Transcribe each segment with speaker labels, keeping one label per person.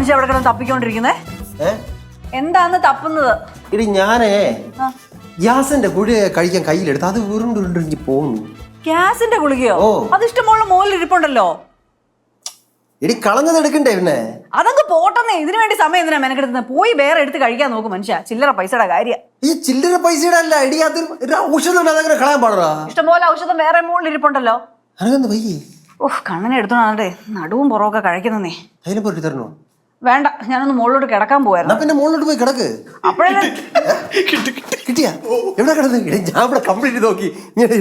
Speaker 1: മനുഷ്യ അവിടെ കിടന്ന് തപ്പിക്കൊണ്ടിരിക്കുന്നേ? എന്താന്ന് തപ്പുന്നത്?
Speaker 2: ഇടി ഞാനേ ഗ്യാസിന്റെ ഗുളിക കഴിക്കാൻ കയ്യിലെടുത്ത് അത് ഉരുണ്ടുരുണ്ടെങ്കിൽ പോകുന്നു.
Speaker 1: ഗ്യാസിന്റെ ഗുളികയോ? അത് ഇഷ്ടമുള്ള മോളിൽ ഇരിപ്പുണ്ടല്ലോ.
Speaker 2: ഇടി കളഞ്ഞത് എടുക്കണ്ടേ പിന്നെ?
Speaker 1: അതങ്ങ് പോട്ടെന്നേ. ഇതിനു വേണ്ടി സമയം എന്തിനാ മെനക്കെടുക്കുന്നത്? പോയി വേറെ എടുത്ത് കഴിക്കാൻ നോക്കും മനുഷ്യ. ചില്ലറ പൈസയുടെ കാര്യം.
Speaker 2: ഈ ചില്ലറ പൈസയുടെ അല്ല ഇടി, അത് ഔഷധം അതങ്ങനെ കളയാൻ പാടാ.
Speaker 1: ഇഷ്ടംപോലെ ഔഷധം വേറെ മോളിൽ ഇരിപ്പുണ്ടല്ലോ.
Speaker 2: അനക്കെന്ത് വയ്യേ?
Speaker 1: ഓഹ് കണ്ണനെ എടുത്തോണ്ടേ നടുവും പുറമൊക്കെ കഴിക്കുന്നേ.
Speaker 2: അതിനെ പോയിട്ട് തരണോ?
Speaker 1: വേണ്ട, ഞാനൊന്ന് മുകളിലോട്ട് കിടക്കാൻ പോയായിരുന്നു.
Speaker 2: പിന്നെ മുകളിലോട്ട് പോയി കിടക്ക്.
Speaker 1: അപ്പോഴേ
Speaker 2: കിട്ടിയാ എവിടെ കിടന്ന്? ഞാൻ ഇവിടെ കംപ്ലീറ്റ് നോക്കി.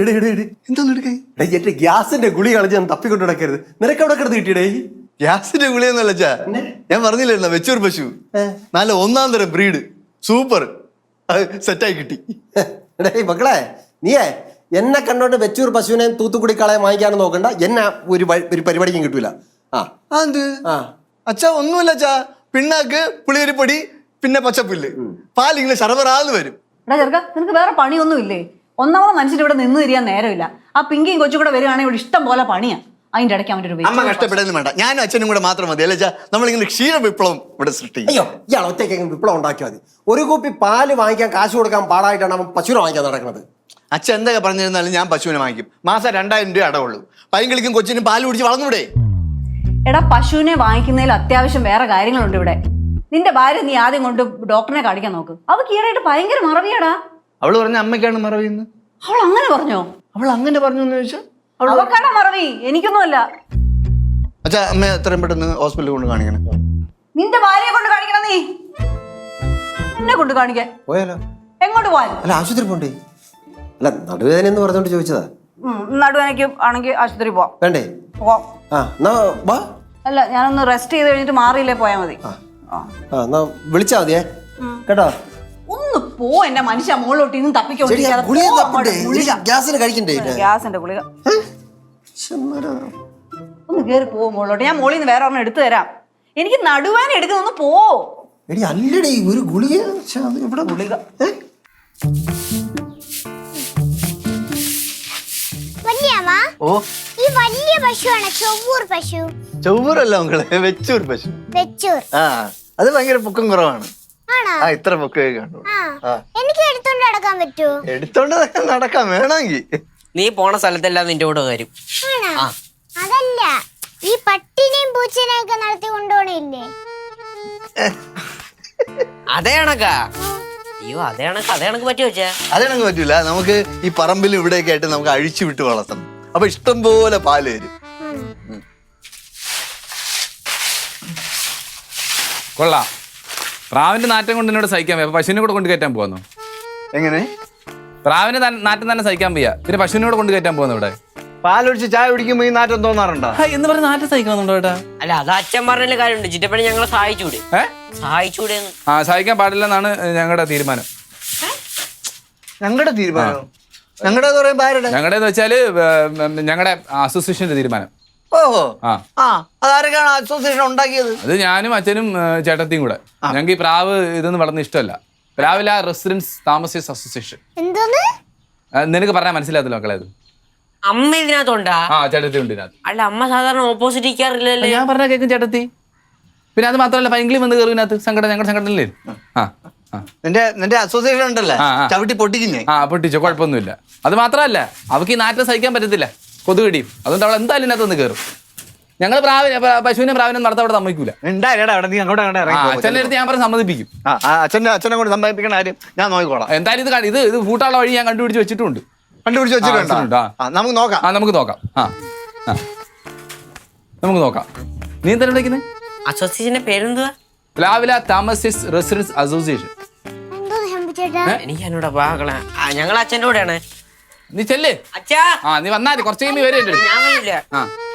Speaker 2: എന്റെ ഗ്യാസിന്റെ ഗുളി കളഞ്ഞ് ഞാൻ തപ്പിക്കൊണ്ട് കിടക്കരുത്. നിനക്ക് എവിടെ കിടന്ന് കിട്ടിയടേ?
Speaker 3: ഗ്യാസിന്റെ ഗുളിയൊന്നുമല്ല ചാ, ഞാൻ പറഞ്ഞില്ലായിരുന്നോ വെച്ചൂർ പശു നല്ല ഒന്നാം തരം ബ്രീഡ്, സൂപ്പർ, സെറ്റായി കിട്ടി.
Speaker 2: മക്കളെ നീയേ എന്നെ കണ്ടോണ്ട് വെച്ചൂർ പശുവിനെ തൂത്തുക്കുടി കളയാൻ വാങ്ങിക്കാനും നോക്കണ്ട. എന്നെ ഒരു പരിപാടിക്കും കിട്ടൂല.
Speaker 3: അച്ഛാ ഒന്നുമില്ല അച്ഛാ, പിണ്ണാക്ക്, പുളിയരിപ്പൊടി, പിന്നെ പച്ചപ്പുല്ല്, പാലിങ്ങനെ ശർവറാന്ന് വരും.
Speaker 1: ചെറുക്ക, നിനക്ക് വേറെ പണിയൊന്നും ഇല്ലേ? ഒന്നാമത് മനുഷ്യൻ ഇവിടെ നിന്ന് തിരിയാൻ നേരമില്ല. ആ പിങ്കിയും കൊച്ചും കൂടെ വരുവാണെങ്കിൽ ഇവിടെ ഇഷ്ടം പോലെ പണിയാ. അതിന്റെ ഇടയ്ക്ക് അവൻ്റെ ഒരു
Speaker 3: അമ്മ കഷ്ടപ്പെടുന്നു വേണ്ട, ഞാനും അച്ഛനും കൂടെ മാത്രം മതി അല്ലേ? നമ്മളിങ്ങനെ ക്ഷീര വിപ്ലവം ഇവിടെ സൃഷ്ടിക്കും.
Speaker 2: അയ്യോ, ഇയാൾ ഒറ്റയ്ക്ക് വിപ്ലവം ഉണ്ടാക്കിയാൽ മതി. ഒരു കുപ്പി പാല് വാങ്ങിക്കാൻ കാശ് കൊടുക്കാൻ പാടായിട്ടാണ് അവൻ പശുവിനെ വാങ്ങിക്കാൻ നടക്കുന്നത്.
Speaker 3: അച്ഛൻ എന്തൊക്കെ പറഞ്ഞിരുന്നാലും ഞാൻ പശുവിനെ വാങ്ങിക്കും. മാസം 2000 രൂപ അടവുള്ളൂ. പൈങ്കിളിക്കും കൊച്ചിനും പാല് കുടിച്ച് വളർന്നൂടെ?
Speaker 1: എടാ, പശുവിനെ വാങ്ങിക്കുന്നതിൽ അത്യാവശ്യം വേറെ കാര്യങ്ങളുണ്ട് ഇവിടെ. നിന്റെ ഭാര്യ നീ ആദ്യം കൊണ്ട് ഡോക്ടറിനെ കാണിക്കാൻ നോക്ക്. അവൾക്ക് ഈടായിട്ട് ഭയങ്കര മറവിയാടാ.
Speaker 3: അവള് പറഞ്ഞ അമ്മയ്ക്കാണ് മറവിന്ന്.
Speaker 1: അവൾ അങ്ങനെ പറഞ്ഞോ?
Speaker 3: അവൾ അങ്ങനെ പറഞ്ഞു എന്ന് ചോദിച്ചാൽ
Speaker 1: അവക്കാടാ മറവി, എനിക്കൊന്നുമല്ല.
Speaker 3: അച്ഛാ, അമ്മ എത്രയും പെട്ടെന്ന് ഹോസ്പിറ്റലിൽ കൊണ്ട് കാണിക്കണം.
Speaker 1: നിന്റെ ഭാര്യയെ കൊണ്ട് കാണിക്കണം. നീ എന്നെ കൊണ്ട് കാണിക്കാൻ
Speaker 2: പോയാലോ?
Speaker 1: എങ്ങോട്ട് പോവാൻ?
Speaker 2: അല്ല, ആശുപത്രി പോണ്ടേ? അല്ല, നടുവേദന എന്ന് പറഞ്ഞോണ്ട് ചോദിച്ചതാ.
Speaker 1: നടുവേനക്ക് ആണെങ്കിൽ ആശുപത്രി പോവാം.
Speaker 2: വേണ്ടേ?
Speaker 1: പോവാം. അല്ല, ഞാനൊന്ന് റെസ്റ്റ് ചെയ്ത് കഴിഞ്ഞിട്ട് മാറിയില്ലേ പോയാൽ മതി.
Speaker 2: വിളിച്ചാ മതിയേ കേട്ടോ.
Speaker 1: ഒന്ന് പോ എന്റെ മനുഷ്യ. മുകളിലോട്ട് ഇന്നും തപ്പിക്കൊണ്ടിരിക്കാതെ
Speaker 2: ഗ്യാസിന് കഴിക്കണ്ടേ?
Speaker 1: ഗ്യാസിന്റെ ഗുളിക ഒന്ന് കേറി പോ മുകളിലോട്ട്. ഞാൻ മുകളിൽ നിന്ന് വേറെ ഒരെണ്ണം എടുത്തു തരാം. എനിക്ക് നടുവേന എടുക്കുന്നൊന്ന് പോ.
Speaker 2: എടി അല്ലടി, ഒരു ഗുളിക. ഇവിടെ ഗുളിക
Speaker 3: ഓ,
Speaker 4: ഈ വലിയ പശുവാണ് ചൊവ്വൂർ പശു.
Speaker 3: ചൊവ്വൂരല്ല മക്കളെ, വെച്ചൂർ പശു.
Speaker 4: വെച്ചൂർ.
Speaker 3: അത് ഭയങ്കര പൊക്കം കുറവാണ്.
Speaker 4: ആണോ?
Speaker 3: ഇത്ര പൊക്കേ കണ്ടു.
Speaker 4: എനിക്ക് എടുത്തോണ്ട് നടക്കാൻ പറ്റുമോ?
Speaker 3: എടുത്തോണ്ട് നടക്കാൻ വേണമെങ്കിൽ.
Speaker 5: നീ പോണ സ്ഥലത്തെല്ലാം നിന്റെ കൂടെ വരും.
Speaker 4: അതല്ല, ഈ പട്ടിനെയും പൂച്ചനെയും ഒക്കെ നടത്തി കൊണ്ടുപോണില്ലേ?
Speaker 5: അതേ കണക്കാ. അയ്യോ, അതേ കണക്ക് പറ്റുമോ വെച്ചാ?
Speaker 3: അതേണക്ക് പറ്റൂല. നമുക്ക് ഈ പറമ്പിലും ഇവിടെയൊക്കെ ആയിട്ട് നമുക്ക് അഴിച്ചു വിട്ട് വളർത്തണം. അപ്പൊ ഇഷ്ടം പോലെ പാല് വരും.
Speaker 6: കൊള്ളാം. പ്രാവിന്റെ നാറ്റം കൊണ്ട് എന്നോട് സഹിക്കാൻ വയ്യ. പശുവിനെ കൂടെ കൊണ്ട് കയറ്റാൻ പോകുന്നു.
Speaker 3: എങ്ങനെ?
Speaker 6: പ്രാവിന്റെ നാറ്റം തന്നെ സഹിക്കാൻ വയ്യ, പിന്നെ പശുവിനെ കൂടെ കൊണ്ട് കയറ്റാൻ പോകുന്നു. ഇവിടെ
Speaker 3: പാലൊഴിച്ച് ചായ കുടിക്കുമ്പോ ഈ നാറ്റം തോന്നാറുണ്ടോ?
Speaker 6: എന്ന് പറഞ്ഞ നാറ്റം സഹിക്കണമെന്നുണ്ടോ ഏട്ടാ?
Speaker 5: അല്ല, അത് അച്ഛൻ പറഞ്ഞ കാര്യമുണ്ട്. ചിറ്റപ്പണി ഞങ്ങളെ സഹായിച്ചൂടെ? സഹായിച്ചൂടെ?
Speaker 6: സഹിക്കാൻ പാടില്ലെന്നാണ് ഞങ്ങളുടെ തീരുമാനം.
Speaker 3: ഞങ്ങളുടെ തീരുമാനം? ഞങ്ങളുടെ
Speaker 6: വെച്ചാല് ഞങ്ങളുടെ അസോസിയേഷന്റെ തീരുമാനം.
Speaker 3: ഓഹോ, അതാരൊക്കെയാണ് അസോസിയേഷൻ ഉണ്ടാക്കിയത്?
Speaker 6: അത് ഞാനും അച്ഛനും ചേട്ടത്തിയും കൂടെ. ഞങ്ങൾക്ക് ഈ പ്രാവ് ഇതൊന്നും വളർന്ന ഇഷ്ടമല്ല. രാവിലെ റെസിഡൻസ് താമസേഴ്സ് അസോസിയേഷൻ. നിനക്ക് പറഞ്ഞാൽ മനസ്സിലാകത്തില്ല മക്കളെ. അത്
Speaker 5: അമ്മ ഇതിനകത്തുണ്ടാ?
Speaker 6: ചേട്ടത്തി ഉണ്ട് ഇതിനകത്ത്.
Speaker 5: അല്ല, അമ്മ സാധാരണ ഓപ്പോസിറ്റ് ഇരിക്കാറില്ലല്ലോ.
Speaker 6: ഞാൻ പറഞ്ഞ കേൾക്കും ചേട്ടത്തി. പിന്നെ അത് മാത്രമല്ല, പൈങ്കിളി വന്ന് കയറുന്നതിനകത്ത് സംഘടന, ഞങ്ങളുടെ സംഘടനയില്ലേ?
Speaker 3: നിന്റെ അസോസിയേഷൻ ഉണ്ടല്ലേ, ചവിട്ടി പൊട്ടിക്കുന്നേ.
Speaker 6: പൊട്ടിച്ചോ, കുഴപ്പമൊന്നുമില്ല. അത് മാത്രമല്ല, അവർക്ക് ഈ നാറ്റം സഹിക്കാൻ പറ്റത്തില്ല, കൊതുകടിയും. അതുകൊണ്ട് അവൾ എന്തായാലും ഇതിനകത്ത് ഒന്ന് കയറും. ഞങ്ങൾ പശുവിനെ പ്രാവിനെ നടത്താൻ അവിടെ സമ്മതിക്കൂല. അച്ഛൻ്റെ അടുത്ത് ഞാൻ പറഞ്ഞ് സമ്മതിപ്പിക്കും.
Speaker 3: അച്ഛനെ കൊണ്ട് സമ്മതിപ്പിക്കണ കാര്യം ഞാൻ നോക്കിക്കോളാം.
Speaker 6: എന്തായാലും ഇത് പൂട്ടാനുള്ള വഴി ഞാൻ കണ്ടുപിടിച്ച് വെച്ചിട്ടുണ്ട്.
Speaker 3: നമുക്ക് നോക്കാം.
Speaker 6: നമുക്ക് നോക്കാം. നീ എന്തായാലും വിളിക്കുന്നത്?
Speaker 5: അസോസിയേഷന്റെ പേരെന്തുവാ?
Speaker 6: പ്ലാവില താമസേഴ്സ് റെസിഡൻസ് അസോസിയേഷൻ.
Speaker 5: എനിക്ക് എന്നോട് പാകള. ഞങ്ങൾ അച്ഛൻ്റെ കൂടെയാണ്.
Speaker 6: നീ ചെല്ലേ.
Speaker 5: അച്ഛാ,
Speaker 6: നീ വന്നാ കുറച്ച് കഴിയുമ്പോൾ വരെ.
Speaker 5: ഞാൻ